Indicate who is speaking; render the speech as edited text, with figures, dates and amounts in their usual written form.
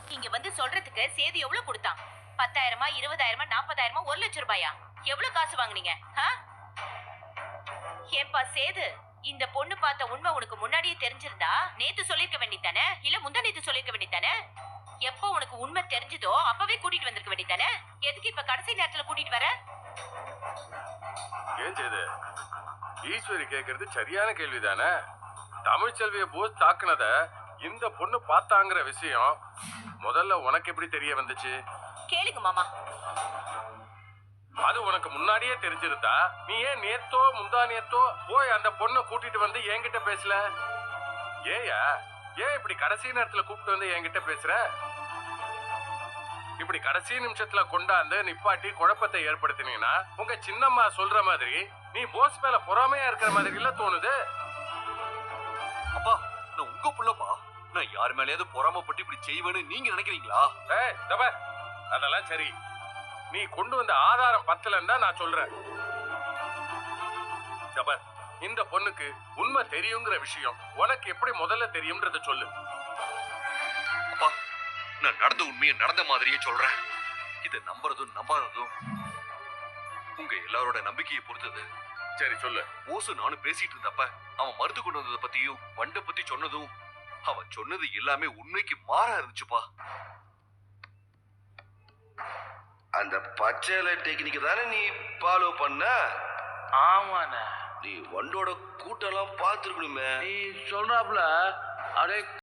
Speaker 1: இங்க வந்து சொல்றதுக்கு சேது எவ்வளவு கொடுத்தான்? 10,000, 20,000, 40,000, 1,00,000 ரூபாயா? எவ்வளவு காசு வாங்குனீங்க? ஏப்பா சேது, இந்த பொண்ணு பார்த்த உண்மை உனக்கு முன்னாடியே தெரிஞ்சிருந்தா நேத்து சொல்லிருக்க வேண்டியதானே? இல்ல முந்தா நேத்து சொல்லிருக்க வேண்டியதானே? எப்போ உனக்கு உண்மை தெரிஞ்சதோ அப்பவே கூட்டிட்டு வந்திருக்க வேண்டியதானே? எதுக்கு இப்ப கடைசி நேரத்துல கூட்டிட்டு வர?
Speaker 2: ஏன் சேது, ஈஸ்வரி கேக்குறது சரியான கேள்விதானே? தமிழ்ச்செல்விய போஸ் தாக்குனத இந்த பொண்ணு பார்த்தாங்கிற விஷயம் முதல்ல உனக்கு எப்படி தெரிய வந்துச்சு?
Speaker 1: கேளுங்க மாமா.
Speaker 2: அது உனக்கு முன்னாடியே தெரிஞ்சிருந்தா நீ ஏன் நேத்தோ முந்தா நேத்தோ போய் அந்த பொண்ணை கூட்டிட்டு வந்து என்கிட்ட பேசல? ஏயா, ஏன் இப்படி கடைசி நேரத்துல கூப்பிட்டு வந்து என்கிட்ட பேசுற? இப்படி கடைசி நிமிஷத்துல கொண்டாந்து நிப்பாட்டி குழப்பத்தை ஏற்படுத்தினீங்கன்னா உங்க சின்னம்மா சொல்ற மாதிரி நீ போஸ் மேல பொறாமையா இருக்கிற மாதிரி இல்ல தோணுது.
Speaker 3: அப்பா, நான் உங்க புள்ளப்பா. நான் யார் மேலேயாவது பொறாமப்பட்டு இப்படி செய்வேன்னு நீங்க நினைக்கிறீங்களா?
Speaker 2: அதெல்லாம் சரி, நீ கொண்டு வந்த ஆதாரம் பத்தலன்னு தான் நான் சொல்றேன். இந்த பொண்ணுக்கு உண்மை தெரியுங்கிற விஷயம் உனக்கு எப்படி முதல்ல தெரியும்ன்றத சொல்லு.
Speaker 3: அப்பா, நான் நடந்த உண்மையை நடந்த மாதிரியே சொல்றேன். இதை நம்புறதும் நம்பாததும் உங்க எல்லாரோட நம்பிக்கையை பொறுத்தது.
Speaker 2: சரி சொல்லு.
Speaker 3: ஓசு நானும் பேசிட்டு இருந்தப்ப அவன் மருந்து கொண்டு வந்ததை பத்தியும் வண்டை பத்தி சொன்னதும் அவன் சொன்னது எல்லாமே உண்மைக்கு மாறா இருந்துச்சுப்பா.
Speaker 4: அந்த பச்சை டெக்னிக் தானே நீ ஃபாலோ பண்ண?
Speaker 5: ஆமாண்ணே.
Speaker 4: நீ வண்டோட கூட்டெல்லாம் பார்த்துருக்கணுமே.
Speaker 5: நீ சொல்றாப்புல அப்படியே